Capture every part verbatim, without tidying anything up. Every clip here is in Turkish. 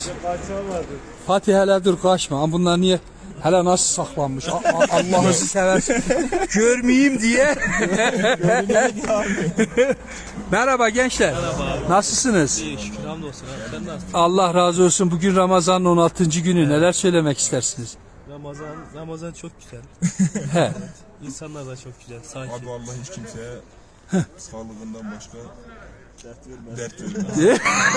Fatih hele dur kaçma. Bunlar niye? Hele nasıl saklanmış? Allah'ını seversin. Görmeyeyim diye. Merhaba gençler. Merhaba. Nasılsınız? İyi şükür hamdolsun abi. Sen nasılsın? Allah razı olsun. Bugün Ramazan'ın on altıncı günü. Neler söylemek istersiniz? Ramazan Ramazan çok güzel. He. Evet. İnsanlar da çok güzel. Sakin. Abi Allah hiç kimseye sağlığından başka dert vermez.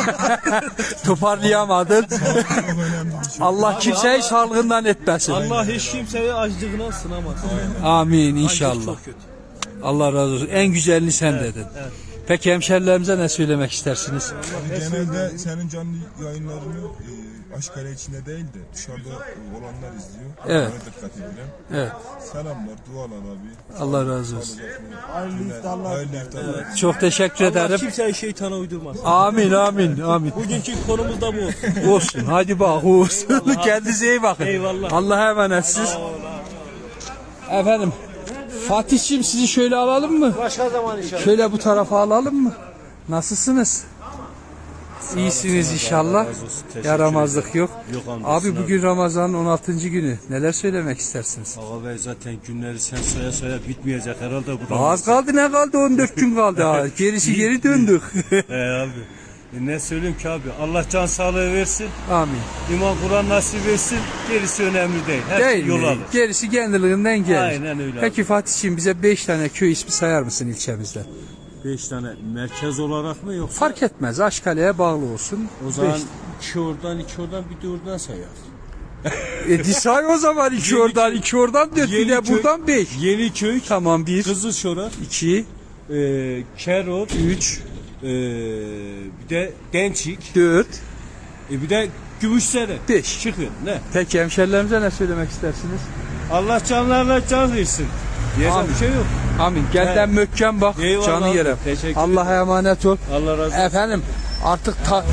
Toparlayamadın. Allah kimseyi sağlığından etmesin. Allah hiç kimseyi açlığına sınamaz. Amin Açlık inşallah. çok kötü. Allah razı olsun. En güzelini sen dedin. Evet. Peki hemşerilerimize ne söylemek istersiniz? Genelde senin canlı yayınlarını e, Aşkale içinde değil de dışarıda olanlar izliyor. Evet. Ona dikkat edelim. Evet. Selamlar, dualar abi. Allah razı olsun. Hayırlı iftarlar. Hayırlı iftarlar. Çok teşekkür Allah ederim. kimseyi şeytana uydurmaz. Amin amin amin. Bugünkü konumuz da bu olsun. Olsun. Hadi bak olsun. Kendinize iyi bakın. Eyvallah. Allah'a emanetsiniz. Efendim. Fatih'ciğim sizi şöyle alalım mı? Başka zaman inşallah. Şöyle bu tarafa alalım mı? Nasılsınız? İyisiniz inşallah. Yaramazlık yok. Yok hamdolsun Abi bugün Ramazan'ın on altıncı günü. Neler söylemek istersiniz? Ağa Bey zaten günleri sen saya saya bitmeyecek herhalde bu. Az kaldı ne kaldı? on dört gün kaldı ha. Gerisi geri döndük. He abi. E ne söyleyeyim ki abi? Allah can sağlığı versin. Amin. İman Kur'an nasip etsin. Gerisi önemli değil. Her Değil yol mi? alır. Gerisi kendiliğinden gelir. Aynen öyle Peki abi. Fatih'ciğim bize beş tane köy ismi sayar mısın ilçemizde? Beş tane merkez olarak mı yoksa? Fark etmez. Aşkale'ye bağlı olsun. O zaman Beş. iki oradan iki oradan bir de oradan sayar. E say o zaman iki oradan iki oradan dört bir de Yeniköy- buradan beş. Yeniköy, Tamam bir, Kızılşorak, iki, e, Kerot, üç, e, bir de Dençik, dört, e, bir de Gümüşsere. beş. Çıkın ne? Peki hemşerilerimize ne söylemek istersiniz? Allah canlarla can versin. Diyecek Amin. bir şey yok. Amin. Gelden Evet. mökken bak. Eyvallah Canı abi, yere. teşekkür Allah'a emanet ol. Allah razı olsun. Efendim artık ta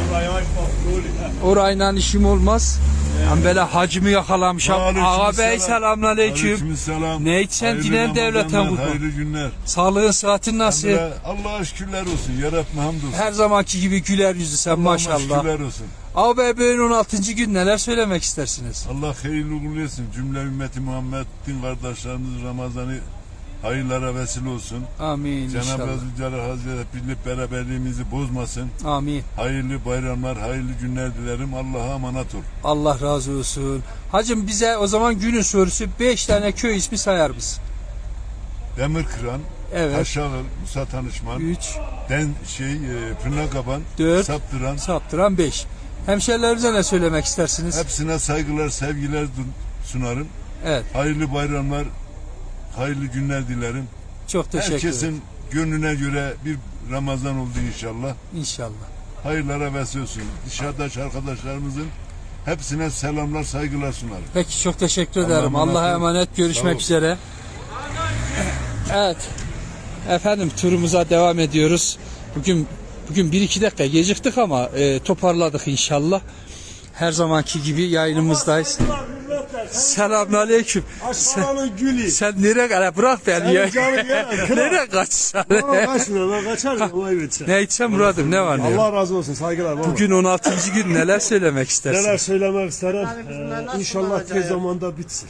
orayla işim olmaz. Ben böyle hacımı yakalamışım. Ağa bey selamünaleyküm. Selam. Ne içsen dinen devletten bu. Hayırlı günler. Sağlığın sıhhatin nasıl? Allah'a şükürler olsun. Yarabbim hamdolsun. Her zamanki gibi güler yüzü sen maşallah. Şükürler olsun. Ağa bey bugün on altıncı gün neler söylemek istersiniz? Allah hayırlı uğurlu etsin. Cümle ümmeti Muhammed din kardeşlerimiz Ramazan'ı hayırlara vesile olsun. Amin Cenab-ı inşallah. Zülcelal Hazretleri birlik beraberliğimizi bozmasın. Amin. Hayırlı bayramlar, hayırlı günler dilerim. Allah'a emanet ol. Allah razı olsun. Hacım bize o zaman günün sorusu beş tane köy ismi sayar mısın? Demirkıran, Evet. Taşağıl, Musa Tanışman, üç, Den şey, e, Pırnakaban, dört, Saptıran. saptıran beş. Hemşerilerimize ne söylemek istersiniz? Hepsine saygılar, sevgiler dun- sunarım. Evet. Hayırlı bayramlar, hayırlı günler dilerim. Çok teşekkür ederim. Herkesin gönlüne göre bir Ramazan oldu inşallah. İnşallah. Hayırlara vesile olsun. Dışarıdaki arkadaşlarımızın hepsine selamlar, saygılar sunarım. Peki çok teşekkür Allah'a ederim. emanet Allah'a olun. emanet. Sağ Görüşmek ol. üzere. Evet. Efendim turumuza devam ediyoruz. Bugün bugün bir iki dakika geciktik ama e, toparladık inşallah. Her zamanki gibi yayınımızdayız. Selamünaleyküm. Aşkılanın gülü. Sen nereye kadar bırak beni ya. canım ya, kral. Nereye kaçsan? Baba kaçmıyor, ben kaçarım. Olay bitsin. Ne içsem Murat'ım ne var ne yok. Allah razı olsun, saygılar baba. Bugün on altıncı gün neler söylemek Neler istersin? söylemek isterim. Ee, inşallah tez zamanda bitsin.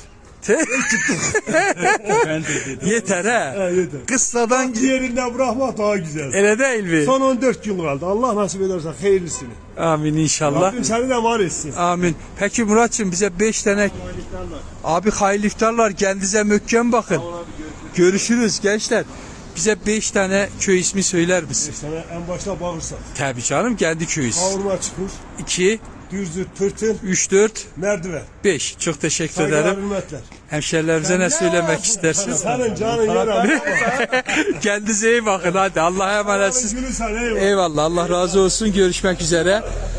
Yeter He, ha. yeter. Kıssadan Diğerinden bırakmak daha güzel. ele değil mi? Son on dört gün kaldı. Allah nasip ederse hayırlısını. Amin inşallah. Rabbim seni de var etsin. Amin. Peki Murat'cığım bize beş tane abi hayırlı iftarlar, kendinize mökken bakın. Görüşürüz gençler. Bize beş tane köy ismi söyler misin? Sana en başta bağırsak. Tabii canım kendi köyüz. Kavurma çukur, iki, dürzüt, tırtıl, üç, dört, merdiven. beş. Çok teşekkür Saygılar, ederim. hürmetler. Hemşerilerimize ne söylemek istersiniz? Senin canın yer abi. Kendinize iyi bakın hadi. Allah'a emanetsiniz. Günü sana eyvallah. Eyvallah. Allah razı olsun. Görüşmek üzere.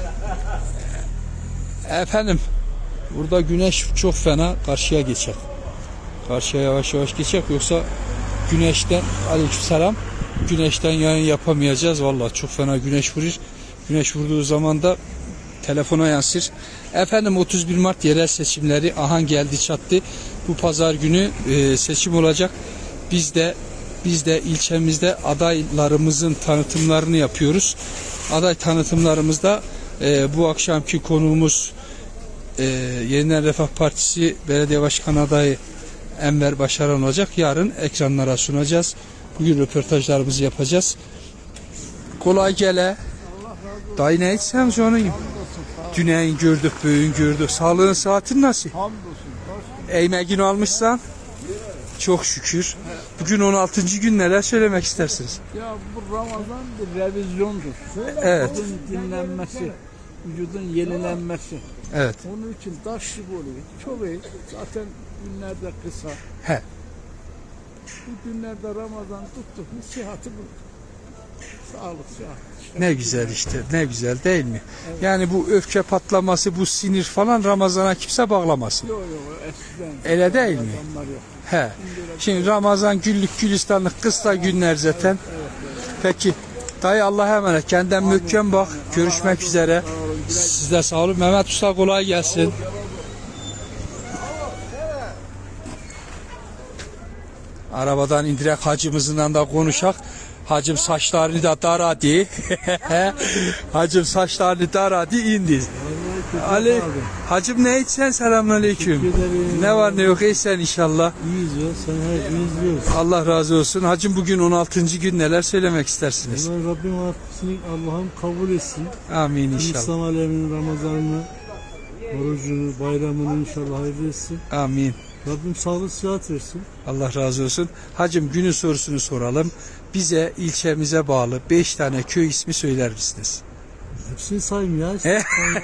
Efendim burada güneş çok fena karşıya geçecek. Karşıya yavaş yavaş geçecek yoksa güneşten aleykümselam güneşten yayın yapamayacağız. Vallahi çok fena güneş vurur. Güneş vurduğu zaman da telefona yansır. Efendim otuz bir Mart yerel seçimleri ahan geldi çattı. Bu pazar günü e, seçim olacak. Biz de biz de ilçemizde adaylarımızın tanıtımlarını yapıyoruz. Aday tanıtımlarımızda Ee, bu akşamki konuğumuz e, Yeniden Refah Partisi Belediye Başkanı adayı Enver Başaran olacak. Yarın ekranlara sunacağız. Bugün röportajlarımızı yapacağız. Kolay gele. Dayı ne içsem canım? Düneyin gördük, bugün gördük. Sağlığın, saatin nasıl? Eğmegin almışsan? Çok şükür. Bugün on altıncı gün, neler söylemek istersiniz? Ya bu Ramazan bir revizyondur. Evet. Vücudun dinlenmesi, vücudun yenilenmesi. Evet. Onun için taş gibi oluyor. Çok iyi. Zaten günler de kısa. He. Bu günlerde Ramazan tuttuk mu sıhhati bulduk. Sağlık, sıhhat. İşte Ne güzel işte, ne güzel değil mi? Yani bu öfke patlaması, bu sinir falan Ramazan'a kimse bağlamasın. Yok yok eskiden. Öyle değil mi? Ramazanlar yok. He. Şimdi Ramazan güllük gülistanlık kısa günler zaten. Peki. Dayı Allah'a emanet. Kendinden möhkem bak. Görüşmek üzere. Siz de sağ olun. Mehmet Usta kolay gelsin. Arabadan indirek hacımızla da konuşak. Hacım saçlarını da daradı. Hacım saçlarını daradı indi. Ali, hacım ne içsen, selamünaleyküm. Ne var ne yok, iyisen inşallah. İyiyiz ya, sen her gün izliyoruz. Allah razı olsun. Hacım bugün on altıncı gün, neler söylemek istersiniz? Allah Rabbim affetsin, Allah'ım kabul etsin. Amin inşallah. İslam aleminin Ramazan'ını, orucunu, bayramını inşallah hayırlı etsin. Amin. Rabbim sağlık sıhhat versin. Allah razı olsun. Hacım günün sorusunu soralım. Bize ilçemize bağlı beş tane köy ismi söyler misiniz? Hepsini sayayım ya. İşte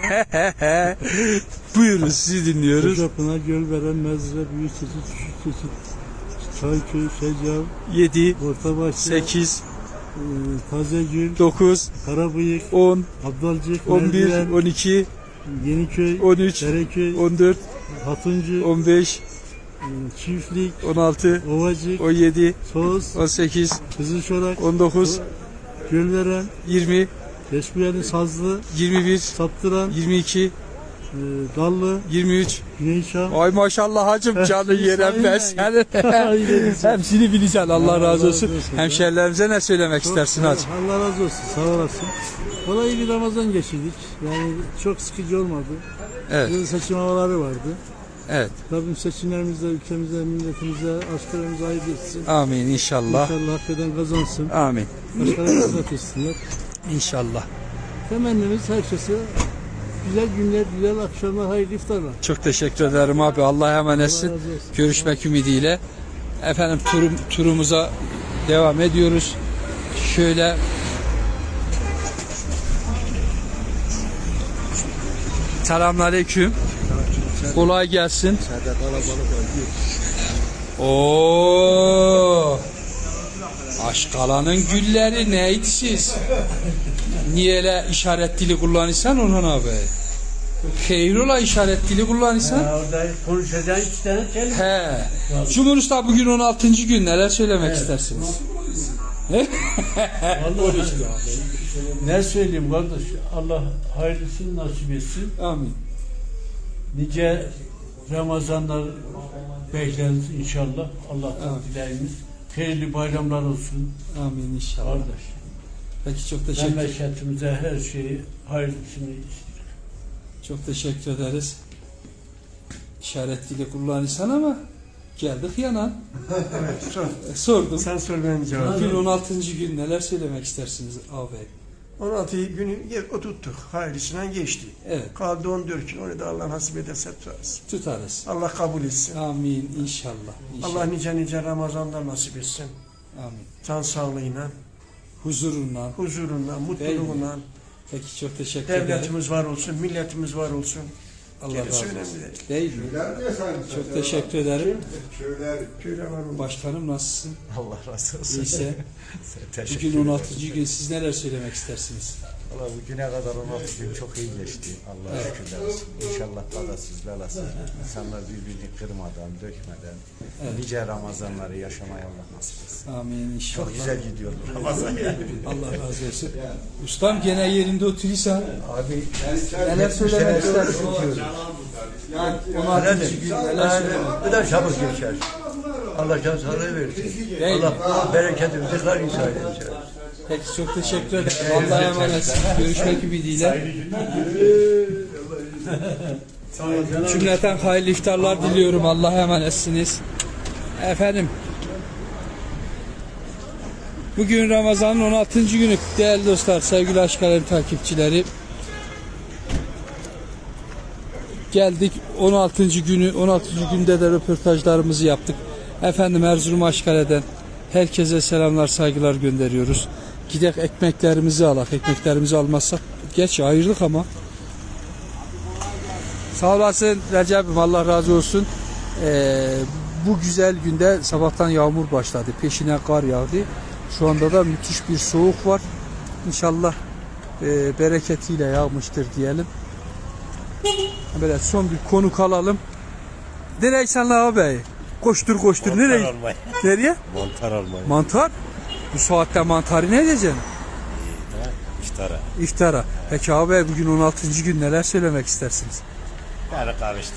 Buyurun, sizi dinliyoruz. Kocapınar, Gölveren, Mezre, Büyükçeşit, Küçükçeşit, Çayköy, Şecav, yedi, Ortabahçe, sekiz, e, Tazegül, dokuz, Karabıyık, on, Abdalcık, on bir, Merdiven, on iki, Yeniköy, on üç, Dereköy, on dört, Hatuncu, on beş, e, Çiftlik, on altı, Ovacık, on yedi, Soğuz, on sekiz, Kızılşorak, on dokuz, Gölveren, yirmi, Beşbuyalı, Sazlı, yirmi bir, Saptıran, yirmi iki, e, Dallı, yirmi üç. Güneyşah. Ay maşallah hacım, canı yerem ben senin. Hepsini bileceksin, Allah razı olsun. Hemşerilerimize ne söylemek istersin hacım? Allah razı olsun, sağ olasın. Kolay bir Ramazan geçirdik. Yani çok sıkıcı olmadı. Evet. Yıl seçim havaları vardı. Evet. Rabbim seçimlerimizde, ülkemize, milletimize, askerimize hayırlı etsin. Amin inşallah. İnşallah hak eden kazansın. Amin. Başkalarına hizmet etsinler. İnşallah. Temennimiz herkese güzel günler, güzel akşamlar, hayırlı iftarlar. Çok teşekkür ederim abi. Allah'a emanetsin. Allah razı olsun. Görüşmek ümidiyle. Efendim turum, turumuza devam ediyoruz. Şöyle selamünaleyküm. Kolay gelsin. Oo. Aşkalanın gülleri neydi siz? Niye işaret dili kullanırsan Orhan abi? Hayrola işaret dili kullanırsan? Orada konuşacağın iki tane kelime. He. Cumhur Usta bugün on altıncı gün, neler söylemek istersiniz? Ne söyleyeyim kardeş? Allah hayırlısını nasip etsin. Amin. Nice Ramazanlar bekleriz inşallah. Allah'tan dileğimiz. Hayırlı bayramlar olsun Amin inşallah. kardeş. Peki çok teşekkür Memleketimize her şeyi hayırlısını istiyoruz. çok teşekkür ederiz. İşaret dili kullanırsan ama geldik yana. E, Sordum. Sen sor ben cevap. Bugün on altıncı gün, neler söylemek istersiniz abi? on altı günü oturttuk. Hayırlısına geçti. Evet. Kaldı on dört gün. Onu da Allah nasip ederse tutarız. Tutarız. Allah kabul etsin. Amin inşallah. inşallah. Allah nice nice Ramazanlar nasip etsin. Amin. Can sağlığıyla, Huzurunla. huzurunla, mutluluğuyla. Peki çok teşekkür ederim. Devletimiz var olsun, milletimiz var olsun. Allah Gerisi razı önemli olsun. değil. Değil mi? Çok teşekkür ederim. Köyler var olsun. Başkanım nasılsın? Allah razı olsun. İyiyse. Teşekkür Bugün on altıncı gün, siz neler söylemek istersiniz? Valla bugüne kadar on altı gün çok iyi geçti. Allah'a Evet. şükürler olsun. İnşallah kazasız belasız insanlar birbirini kırmadan, dökmeden Evet. nice Ramazanları yaşamaya Allah nasip etsin. Amin inşallah. Çok güzel gidiyor bu Ramazan yani. Allah razı olsun. Ustam gene yerinde oturuyorsan Abi neler söylemek istersin? yani on altıncı gün neler söylemek? Bu da çabuk geçer. Allah can sağlığı versin. Değil mi? Allah bereketimizi kar insan edecek. Peki çok teşekkür ederim. Allah'a emanet. Görüşmek ümidiyle. Cümleten hayırlı iftarlar diliyorum. Allah'a emanetsiniz. Efendim. Bugün Ramazan'ın on altıncı günü değerli dostlar, sevgili Aşk Alem takipçileri. Geldik on altıncı günü, on altıncı günde de röportajlarımızı yaptık. Efendim Erzurum Aşkale'den herkese selamlar, saygılar gönderiyoruz. Gidek ekmeklerimizi alak. Ekmeklerimizi almazsak geç ayırdık ama. Sağ olasın Recep'im, Allah razı olsun. Ee, bu güzel günde sabahtan yağmur başladı. Peşine kar yağdı. Şu anda da müthiş bir soğuk var. İnşallah e, bereketiyle yağmıştır diyelim. Böyle son bir konuk alalım. Nereye senle abi? Koştur koştur. Mantar Nereye? almaya. Nereye? Mantar almayı. Mantar. Bu saatte mantarı ne edeceksin? İftara. İftara. Peki abi bugün on altıncı gün neler söylemek istersiniz? Yani karıştı.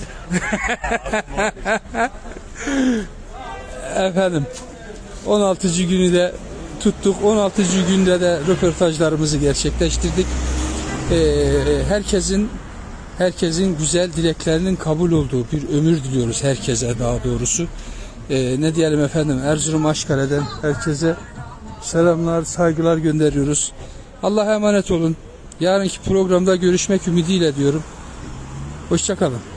Efendim on altıncı günü de tuttuk. on altıncı günde de röportajlarımızı gerçekleştirdik. Ee, herkesin herkesin güzel dileklerinin kabul olduğu bir ömür diliyoruz herkese, daha doğrusu. Ee, ne diyelim efendim, Erzurum Aşkale'den herkese selamlar, saygılar gönderiyoruz. Allah'a emanet olun. Yarınki programda görüşmek ümidiyle diyorum. Hoşça kalın.